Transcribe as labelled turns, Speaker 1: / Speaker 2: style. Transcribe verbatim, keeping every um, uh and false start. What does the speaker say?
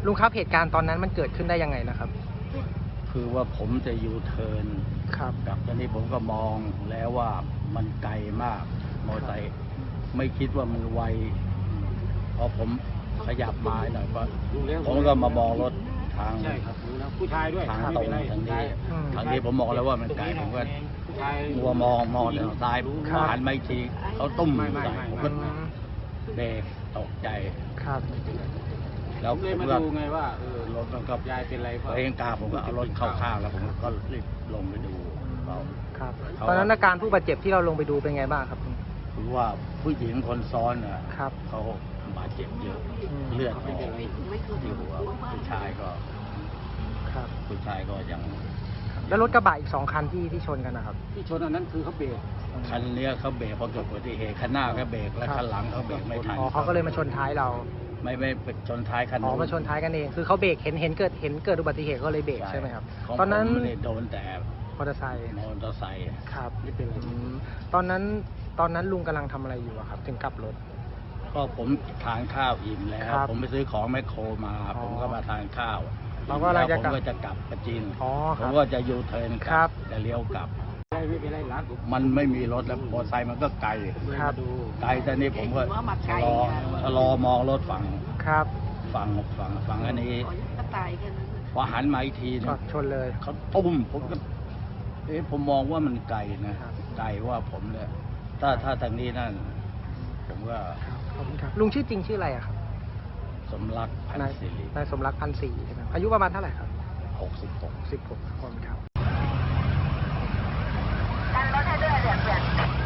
Speaker 1: ลุงครับเหตุการณ์ตอนนั้นมันเกิดขึ้นได้ยังไงนะครับ
Speaker 2: คือว่าผมจะยูเทิร์น
Speaker 1: ครับ
Speaker 2: กับตอนนี้ผมก็มองแล้วว่ามันไกลมากมอเตอร์ไซค์ไม่คิดว่ามันไวพอผมขยับมาหน่อยก็ผมก็มามองรถทาง
Speaker 3: ผู้ชายด้วย
Speaker 2: ทางตรงทางนี้ทางนี้ผมมองแล้วว่ามันไกลผมก็มัวมองมองทางซ้ายหันไม่ทีเขาตุ้มใส่ผมก็เบรกตกใจ
Speaker 1: ครับ
Speaker 2: แล้วผ
Speaker 3: เลยมาดูไงว่าเออ
Speaker 2: รถมันก็
Speaker 3: ยายเป็นไร
Speaker 2: เองกาผมก็เอารถเข้าข้างแล้วผมก็รีบลงไปดูเขา
Speaker 1: ครับตอนนั้นอาการผู้บาดเจ็บที่เราลงไปดูเป็นไงบ้างครับ
Speaker 2: คือว่าผู้หญิงคนซ้อนอ่ะ
Speaker 1: ครับ
Speaker 2: เขาบาดเจ็บเยอะเลือดออกที่หัวผู้ชายก็
Speaker 1: ครับ
Speaker 2: ผู้ชายก็ยัง
Speaker 1: แล้วรถกระบะอีกสองคันที่ที่ชนกันนะครับ
Speaker 3: ที่ชนอันนั้นคือเขาเบรก
Speaker 2: คันนี้เขาเบรกพอเกิดอุบัติเหตุคันหน้าเขาเบรกแล้วคันหลังเขาเบรกไม่ทัน
Speaker 1: อ๋อเขาก็เลยมาชนท้ายเรา
Speaker 2: ไม่ไม่ชนท้ายคัน
Speaker 1: อ๋อมาชนท้ายกันเองคือเขาเบรกเห็นเห็นเกิดเห็นเกิดอุบัติเหตุก็เลยเบรกใช่ไหมครับตอนนั้น
Speaker 2: โดนแต่
Speaker 1: มอเตอร์ไซค์
Speaker 2: มอเตอร์ไซค์
Speaker 1: ครับนี่เป็นตอนนั้นตอนนั้นลุงกำลังทำอะไรอยู่ครับถึงกลับรถ
Speaker 2: ก็ผมทานข้าวอิ่มแล้วผมไปซื้อของแมคโครมาผมก็มาทานข้าว
Speaker 1: เราก็ผม
Speaker 2: ก็จะกลับกระจิน
Speaker 1: ผ
Speaker 2: มก็จะยูเทิร์นกลับจะเลี้ยวกลับมันไม่มีรถแล้วมอเตอร์ไซค์มันก็ไกลไกลแต่นี่ผมก็ชะลอชะลอมองรถฝั่ง
Speaker 1: ครับ
Speaker 2: ฝั่งฝั่งฝั่งอันนี้พอหันมาอีกทีนึง
Speaker 1: ชนเลย
Speaker 2: เขาตุ้มผมก็เอ๊ะผมมองว่ามันไกลนะไกลว่าผมเนี่ยถ้าถ้าทางนี้นั่นผมก็
Speaker 1: ขอบคุณครับลุงชื่อจริงชื่ออะไรครับ
Speaker 2: สมรักพันศิริ
Speaker 1: นายสมรักพันศิริใช่ไหมอายุประมาณเท่าไหร่ครับ
Speaker 2: หกสิบหก
Speaker 1: สิบหกคนครับ